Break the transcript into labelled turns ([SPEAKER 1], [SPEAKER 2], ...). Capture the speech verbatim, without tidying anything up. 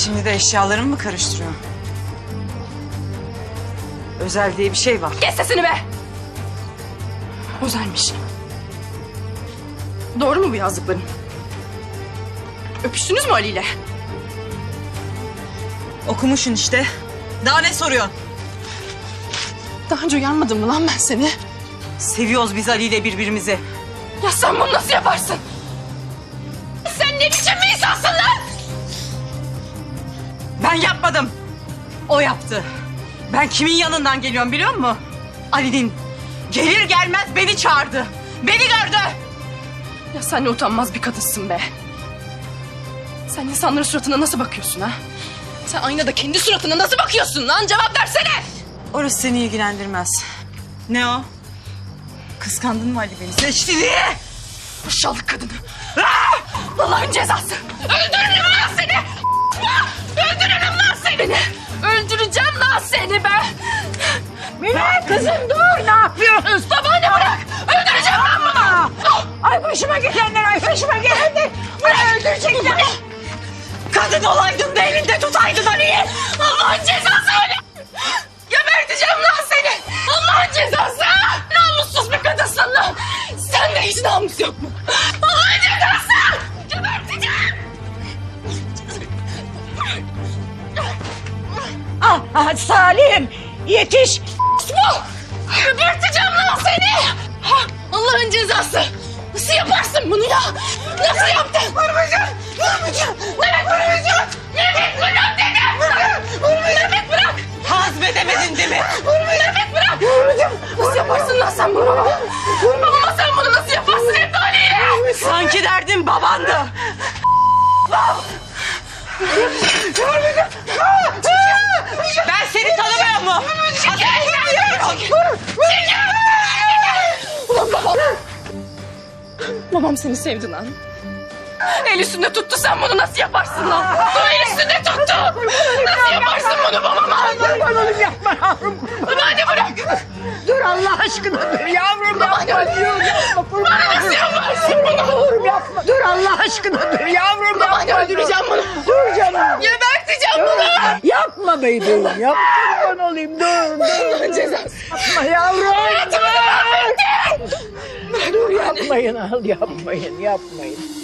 [SPEAKER 1] Şimdi de eşyalarımı mı karıştırıyorsun? Özel diye bir şey var.
[SPEAKER 2] Kes sesini be! Özelmiş. Doğru mu bu yazdıkların? Öpüştünüz mü Ali ile?
[SPEAKER 1] Okumuşsun işte. Daha ne soruyorsun?
[SPEAKER 2] Daha önce uyarmadım mı lan ben seni?
[SPEAKER 1] Seviyoruz biz Ali ile birbirimizi.
[SPEAKER 2] Ya sen bunu nasıl yaparsın? Sen ne biçim bir insansın lan?
[SPEAKER 1] Ben yapmadım. O yaptı. Ben kimin yanından geliyorum biliyor musun? Ali'nin. Gelir gelmez beni çağırdı. Beni gördü.
[SPEAKER 2] Ya sen ne utanmaz bir kadınsın be. Sen insanların suratına nasıl bakıyorsun ha? Sen aynada kendi suratına nasıl bakıyorsun lan? Cevap versene!
[SPEAKER 1] Orası seni ilgilendirmez. Ne o? Kıskandın mı Ali beni? Seçti diye.
[SPEAKER 2] Aşağılık kadını. Ah! Allah'ın cezası. Öldürürüm lan seni. Öldürürüm lan seni. Öldüreceğim lan seni be.
[SPEAKER 3] Mine kızım dur, ne yapıyorsunuz?
[SPEAKER 2] Babaanne bırak. Öldüreceğim lan bunu.
[SPEAKER 3] Ay başıma gelenler, ay başıma gelenler. Beni öldürecekler.
[SPEAKER 1] Kadın olaydın da elinde tutaydın Ali'yi.
[SPEAKER 2] Allah'ın cezası öyle. Geberteceğim lan seni. Allah'ın cezası. Namussuz bir kadınsın lan. Sende hiç namus yok mu? Allah'ın cezası. Geberteceğim.
[SPEAKER 3] Ah, ah Salim yetiş.
[SPEAKER 2] Geberteceğim lan seni. Ha, Allah'ın cezası. Nasıl yaparsın bunu ya? Nasıl yaptın? Vurmayacağım. Vurmayacağım. Mehmet vurmayacağım. Mehmet bırak dedim. Vurmayacağım. Mehmet bırak.
[SPEAKER 1] Hazmedemedin değil mi?
[SPEAKER 2] Mehmet bırak. Vurmayacağım. Nasıl yaparsın lan sen bunu? Babama sen bunu nasıl yaparsın hep Ali'ye?
[SPEAKER 1] Sanki derdin babandı. Ben seni tanımıyor mu?
[SPEAKER 2] Ulan babam. Babam seni sevdi lan. El üstünde tuttu, sen bunu nasıl yaparsın lan? O el üstünde tuttu. Nasıl yaparsın bunu babama?
[SPEAKER 3] Kurban olayım yapma yavrum.
[SPEAKER 2] Babaanne bırak.
[SPEAKER 3] Dur Allah aşkına dur yavrum
[SPEAKER 2] Babaanne
[SPEAKER 3] yapma.
[SPEAKER 2] bırak.
[SPEAKER 3] Kurban
[SPEAKER 2] Nasıl yaparsın bunu?
[SPEAKER 3] dur yapma. Dur Allah aşkına dur yavrum
[SPEAKER 2] Babaanne
[SPEAKER 3] yapma.
[SPEAKER 2] öldüreceğim bunu.
[SPEAKER 3] Dur canım.
[SPEAKER 2] Geberteceğim bunu.
[SPEAKER 3] Yapma bebeğim yap. Kurban olayım dur dur.
[SPEAKER 2] Cezası.
[SPEAKER 3] Yapma yavrum.
[SPEAKER 2] Hayatımı mahvettin.
[SPEAKER 3] Dur yapmayın al yapmayın yapmayın.